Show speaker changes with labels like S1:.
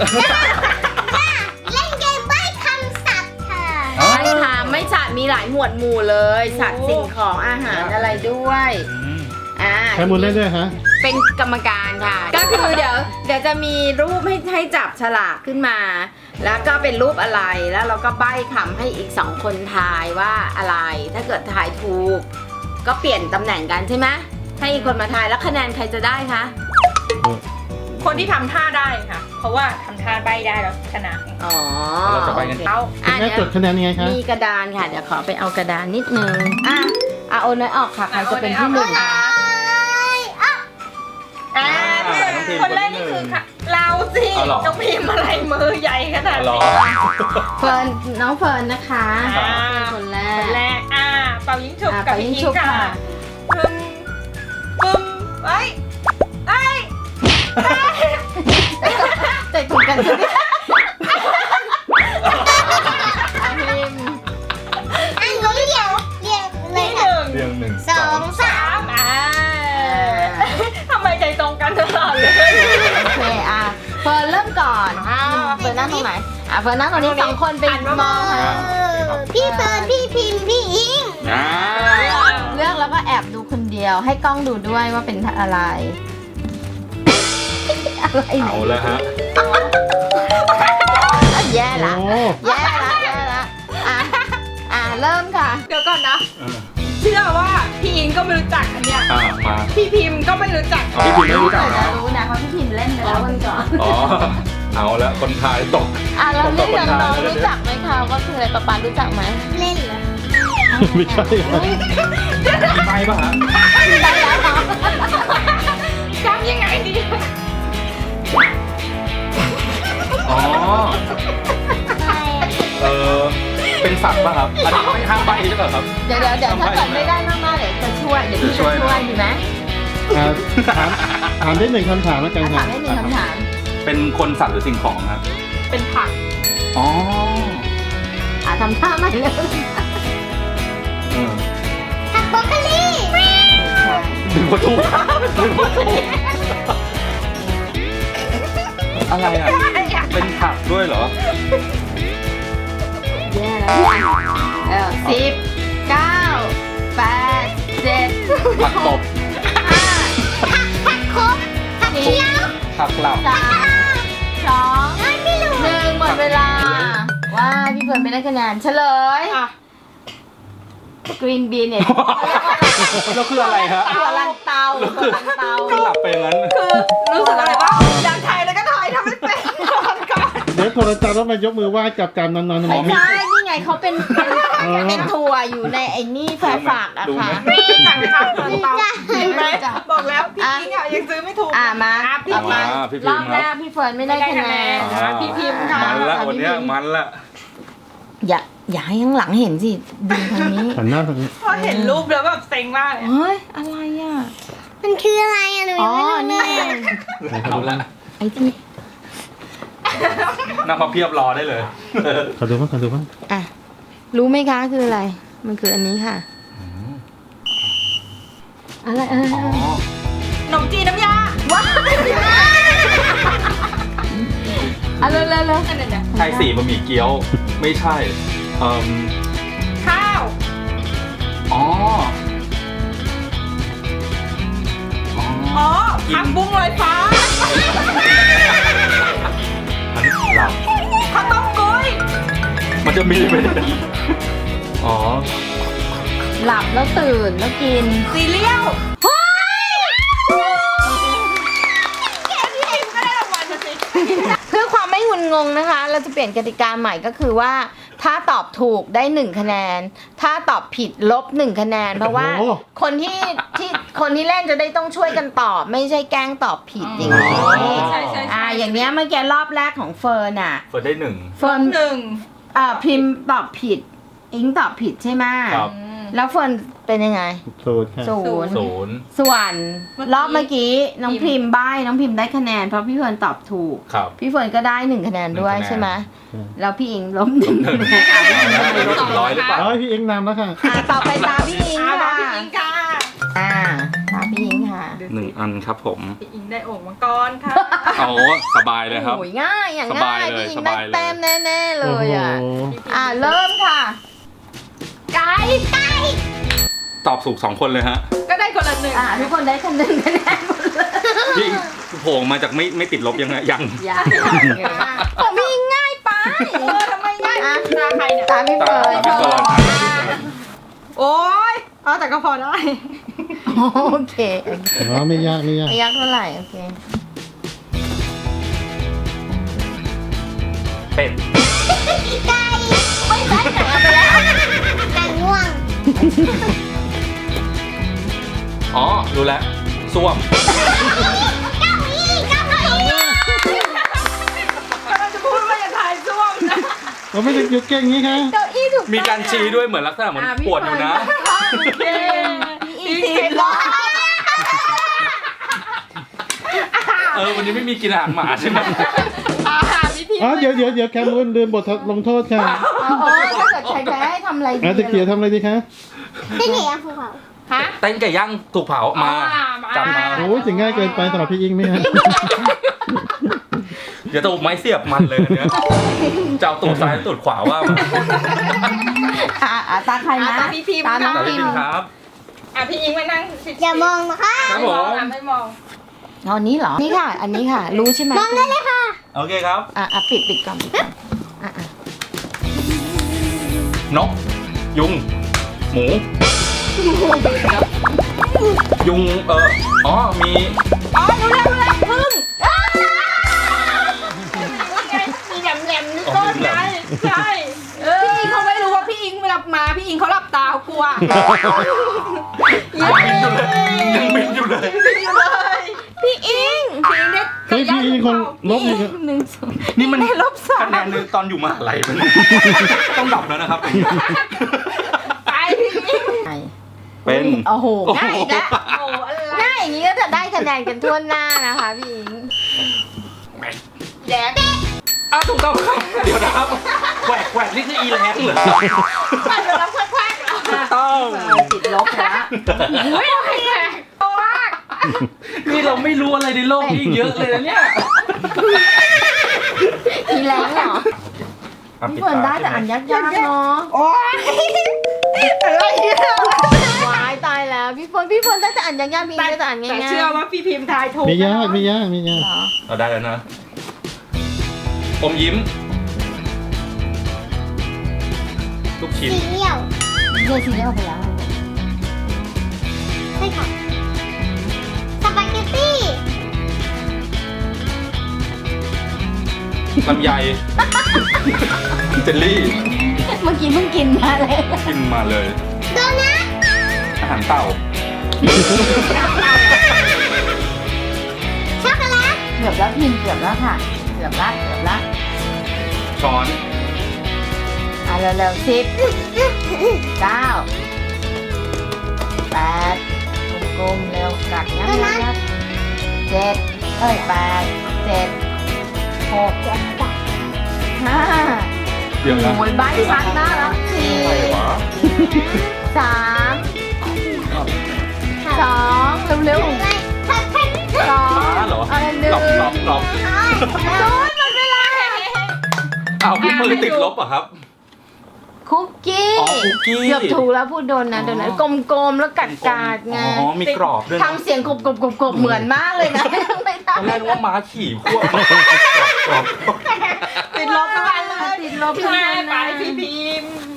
S1: เล่นเกมใบ้คำศัพท์ค่ะ
S2: ไม่ค่ะไม่สัตว์มีหลายหมวดหมู่เลยสัตว์สิ่งของอาหารอะไรด้วย
S3: ใครมูลเล่นด้วยฮะ
S2: เป็นกรรมการค่ะ ก็คือเดี๋ยวจะมีรูปให้จับฉลากขึ้นมา แล้วก็เป็นรูปอะไรแล้วเราก็ใบ้คำให้อีก2คนทายว่าอะไรถ้าเกิดทายถูกก็เปลี่ยนตำแหน่งกันใช่ไหมให้อีกคนมาทายแล้วคะแนนใครจะได้คะ
S4: คนที่ทำท่าได้ค่ะ เพราะว่าทำท่าใบได้แล้วชนะ
S2: อ๋อ
S5: เราจะใบ้กัน
S4: เอา
S3: แม่จดคะแนนยังไงคะ
S2: มีกระดานค่ะเดี๋ยวขอไปเอากระดานนิดนึงโอนน้อยออกค่ะใครจะเป็นที่หนึ่งคะ
S4: คนแรกนี่คือค่ะเราสิน้องพิมพ์อะไรมือใหญ่ขนาดนี้
S2: เฟิร์นน้องเฟิร์นนะคะเป็นคนแร
S4: คนแร
S2: ก
S4: กเป่ายิงฉุบกับพี่
S2: เป่ายิง
S4: พิ
S2: ฉุ
S4: ง
S2: บ
S4: ค่ะ
S2: ค่ะ
S4: ปึ้มปึ้มเอ้ย
S2: ใจถูกกันใช่ไหมพิมพ์
S1: อันนี้เรียงเลย
S4: ที่
S1: ค่ะ
S5: เรียง1
S1: 2 3
S4: ทำไมใจตรงกันตลอดเลย
S2: โอเคเฟิร์นเริ่มก่อนเฟิร์นนั่งตรงไหนเฟิร์นนั่งตรงนี้2คนเป็นมองค่ะ
S1: พี่เฟิร์นพี่พิมพ์พี่อิง
S2: เลือกแล้วก็แอบดูคนเดียวให้กล้องดูด้วยว่าเป็นอะไรอะไร
S5: เอาแล้วฮะ
S2: แย่ละ
S3: โอ้
S2: แย่ละเริ่มค่ะ
S4: เดี๋ยวก่อนนะ เชื่อว่าพี่อิงก็ไม่รู้จักอันเนี้ย
S5: มา
S4: พี่พิมพ์ก็ไม่รู้จัก
S5: พี่พิมไม่รู้จัก
S2: จะ
S5: นะ
S2: รู้นะเพราะพี่พิมพ์เล่นไปแล้ววันก่อน
S5: อ๋อเอาแล้วคนทายตก
S2: แล้วนี่น้องๆรู้จักไหมคะว่าคืออะไรป๊ารู้จักไหม
S1: เล่นเหรอ
S3: ไม่ใช่ครับ
S5: มีใบป่ะฮะ
S2: ได้แล้วเนาะ
S4: จำยังไงดี
S5: อ๋อเป็นสัตว์ป่ะครับอันนี้ไม่ห้ามใบใช่ป่ะครับ
S2: เดี๋ยวถ้าเกิดไม่ได้มากๆเดี๋ยวจะช่วยเดี๋ยวพี่จะช่วยดีไหม
S3: ถามได้1 คำถามแล้วกัน
S2: ถา
S3: ค่ะ
S2: มได้1 คำถาม
S5: เป็นคนสัตว์หรือสิ่งของครับ
S4: เป็นผัก
S5: อ๋อ
S2: ทำท่าใหม่เลย
S1: ผักโบรอกโคลี
S5: ดึงประตูดึงประตูอะไรอ่ะเป็นผักด้วยเหรอ
S2: แย่แล้ว10 9 8 7
S5: ผักตบ
S1: ผักคมผักเขียว
S5: ผักหลับ
S2: 3 2 1หมดเวลาว่าพี่เฟิร์นไม่ได้คะแนนเฉลยกรีนบีนเนี่ย
S5: แล้วคืออะไรฮะ
S2: ตัวลันเตา
S5: คือหลับไปงั้น
S4: คือรู้สึกอะไรบ้างอยากถ่ายแล้วก็ถ่ายทำไม่เป็นก่อน
S3: เดี๋ยวโทรศัพท์แล้วมายกมือไหว้กับการนอน
S2: ไม่ใช่นี่ไงเขาเป็นถั่วอยู่ในไอ้นี่แฝงฝากอะค่ะ
S4: ไม่สั่งข้าวตอนเตาเห็นไหม
S2: จ้ะ
S4: บอกแล้วพี่อิงยังซื้อไม่ถูก
S2: มา
S4: พี่
S2: ต่อ
S4: พิ
S2: มาม
S4: พ์
S5: พี่
S2: ร
S5: พิ
S2: อ
S5: ม
S2: บ
S5: พ์
S2: แร
S5: ครั
S2: ก
S5: บ
S2: พี่เฟิร์นไม่ได้คะแนน
S4: พี่พิมพ์ค่ะ
S5: มันละวันนี้มันละ
S2: อย่าให้ข้างหลังเห็นสิดึงทางนี้
S3: หันหน้าทางนี้
S4: พอเห็นรูปแล้วแบบเซ็งมากเลย
S2: เฮ้ยอะไรอ่ะ
S1: มันคืออะไรอะหนูยังไม่รู้
S2: นี่
S1: เลย
S5: เอาละ
S2: ไอ้ที่
S5: นั่งมาเพียบรอได้เลย
S3: ขอดูบ้างขอดูบ้าง
S2: รู้ไหมคะคืออะไร มันคืออันนี้ค่ะอะไร
S5: อ๋อ
S4: ขนมจีนน้ำยา
S2: ว้าวเร็ว
S4: อันนั้นเนี่ย
S5: ใช่สีบะหมี่เกี๊ยวไม่ใช่อ๋อ
S4: ข้าว
S5: อ๋อ
S4: อ๋อผักบุ้งลอยฟ้า
S5: อันนี้หลับ
S4: ข้าวต้มกุ้ย
S5: มันจะมีไหมเนี่ยอ๋อ
S2: หลับแล้วตื่นแล้วกิน
S4: ซีเรียลพี่พิมก็ได้รางวัลมาสิ
S2: เพื่อความไม่งุนงงนะคะ เราจะเปลี่ยนกติกาใหม่ก็คือว่า ถ้าตอบถูกได้1 คะแนน ถ้าตอบผิดลบ1 คะแนน เพราะว่าคนที่เล่นจะได้ต้องช่วยกันตอบ ไม่ใช่แกล้งตอบผิดอย่างนี้
S4: ใช่
S2: อย่างเนี้ยเมื่อกี้รอบแรกของเฟิร์นอ่ะ
S5: เปิดได้1
S2: เฟิร์น
S4: 1
S2: พิมพ์ตอบผิด อิงตอบผิดใช่ไหม
S5: ครับ
S2: แล้วเฟิร์นเป็นยังไง
S3: สูตรค่ะ
S2: 0
S5: 0
S2: ส่วนรอบเมื่อกี้น้องพิมพ์ใบ้น้องพิมพ์ได้คะแนนเพราะพี่เฟิร์นตอบถูก
S5: ครับ
S2: พี่เฟิร์นก็ได้1 คะแนนด้วย
S5: 1 คะแนน
S2: ใช่ไหมแล้วพี่อิงล้ม1 คะแนนพี่อิงได้ลบ
S5: ร้อยหรือเปล่า
S3: พี่เอ็งนำแล้วค่ะ
S2: ต่อไปตาพี่อิง
S4: อ่า
S2: ค่ะ
S4: พี่อิงค่ะ
S2: ตาพี่อิงค่ะ
S4: ดู
S5: หนึ่
S4: สิ
S5: งอันครับผม
S4: พี่อิงได้โอ่งมังกรค่ะ
S5: โอ้สบายเลยครับ
S2: โอ้ยง่ายอย่าง
S5: สบา
S2: ง่าย ย
S5: เลย
S2: พี่อิง
S5: ส
S2: ได้
S5: บายเลย
S2: แต้มแน่ๆเลยอ่ะ
S3: โอ้โห
S2: เริ่มค่ะ
S1: ไก่ไก่
S5: ตอบถูก2 คนเลยฮะ
S4: ก็ได้คนละ1
S2: ทุกคนได้คะแนนหมดเลย
S5: พี่โผล่มาจากไม่ติดลบยังไงยัง
S2: ยังผมมีง่ายไป
S4: ทำไมง่ายตาใครเนี่ย
S2: ตามพี่
S5: ตา
S2: เฟิร์น
S5: พี่เฟิร์น
S4: โอ๊ยเอาแต่ก็พอได้
S2: โอเค
S3: อ๋อไม่ยากไม่ยาก
S2: ไม่ยากเท่าไหร่โอเค
S5: เป็ด
S1: ไก่ไม่ใช่ไก่เอาไปแล้วไก่ง่วง
S5: อ๋อรู้แล้วส้วม
S1: เก้าอี้เก้าอี้
S4: กำลังจะพูดว่าอย่าถ่ายซ่วมนะ
S3: เราไม่ได้ยุกเก่งงี้ค่ะ
S2: เก้าอี้ถูก
S5: มีการชี้ด้วยเหมือนลักษณะเหมือนปวดอยู่นะ
S4: โอเค
S2: อีก10 รอบ
S5: วันนี้ไม่มีกินอาหารหมาใช่ไหม
S4: วิธี
S3: อ๋อเดี๋ยวแคมรูนลืมบทลงโทษค่ะ
S2: ถ้าเกิดใครแพ้ให้ทำอะไรดี
S3: อาจจะเกียร์ทำอะไรดีคะ
S1: ที่ไหนอะภูเขา
S2: ฮะ
S5: เต้นไก่ย่างถูกเผามาจับมา
S3: โอ้ยถึงง่ายเกินไปสำหรับพี่อิงไหมฮะ
S5: เดี๋ยวจะเอาไม้เสียบมันเลยอันเนี้ยจะเอาตูดซ้ายหรือตูดขวาว่ามา
S2: ตาใครนะ
S4: ตาพี่พิมพ์
S2: ตาน้อง
S5: แต่
S2: พิ
S5: พี่
S2: ม
S5: พิม
S2: พ์
S5: ครับ
S4: พี่อิงมานั่ง
S1: อย่ามองนะคะ
S5: ครับผม
S4: ไม่มอง
S2: เอาอันนี้เหรอ นี่ค่ะ อันนี้ค่ะ รู้ใช่ไหม
S1: มองได้เลยค่ะ
S5: โอเคครับ
S2: ปิดก่อนปิดก่อนอ่ะ
S5: นก ยุง หมู ยุงมี
S4: อ๋อรู้แล้วพึ่งมีแหลมๆนี่ต้นไงใช่พี่อิงเขาไม่รู้ว่าพี่อิงเวลามาพี่อิงเขาหลับตากลัว
S5: ยังบินอยู่เลย
S2: พี่อิง
S4: พี่อิงได้
S3: เฮ้ยพี่อิงคนลบอีก
S5: นี่มัน
S2: ได้ลบ
S5: คะแนนหนึงตอนอยู่มหาลัยมันต้องดับแล้วนะครับ
S4: ไปพี่อิง
S5: เป็น
S2: โอ้โหง่ายนะ
S4: โอ้อะไร
S2: ง่ายอย่างนี้ก็จะได้คะแนนกันทั่วหน้านะคะพี่อิง
S4: แดง
S5: อ้าวถูกต้องครับเดี๋ยวนะครับแหวกนี่คืออีแรงเหรอ
S4: ไปเดี๋ยวเราแควกๆ
S5: ถูกต้อง
S2: ติดลบแล้ว
S4: อุ้ยโอเคโตมาก
S5: นี่เราไม่รู้อะไรในโลกนี้อีกเยอะเลยนะเนี่ย
S2: มีแรงเหรอพี่เฟิร์นได้แต่อันยากๆเนาะ
S4: โอ้ยอะไรเนี่ย
S2: วายตายแล้วพี่เฟิร์นได้แต่อันยากๆพี่อิงได้แต่อันง่ายๆ
S4: แต่เชื่อว่าพี่พิมพ์ทายถูก
S3: ไม่ยาก
S2: เหรอ
S5: เราได้แล้วนะ อมยิ้ม ลูกชิ้น
S1: สีเหี่ยว
S2: เดี๋ยวทีนี้เอาไปแล้ว
S1: ใช่ค่ะสปาเกตตี้
S5: ลำไย เจลลี่
S2: เมื่อกี้เพิ่งกินมาเลย
S5: กินมาเลย
S1: โดนัท
S5: อาหารเต่า
S1: ช็อกโกแลต
S2: เกือบแล้วพิมพ์เกือบแล้วค่ะเกือบละ
S5: ช้อน
S2: เร็วๆ10 9 8กลมๆเร็วกัดงับ7 8 7 6 5
S5: เดี๋ยวนะ
S2: โอ้ยใบชัดมากแล้ว
S5: อะไรวะ
S2: 4 3 2 เร็ว
S1: อะไรผัดไทย
S2: ๆ2
S5: เหรอ
S2: หนึ่ง
S5: หลบหลบ
S2: โดนหมดเวลา
S5: อ้าวพี่มือติดลบเหรอ่ะครับ
S2: คุกกี้
S5: อ๋อคุกกี้
S2: เกือบถูกแล้วพูดโดนนะโดนนะกลมๆแล้วกัดไง
S5: อ๋อ มีกรอบด้วยนะ
S2: ทำเสียงกบเหมือนมากเลยนะไม่
S5: ตอนแร
S2: ได้
S5: กนึกว่าม้าขี่ควบกรอบ
S4: ติดลบทุกวันเลย
S2: ติดลบ
S4: พี่
S2: ทุก
S4: แม่
S2: วัน
S4: ไป
S2: นะ
S4: พี่พิมพ์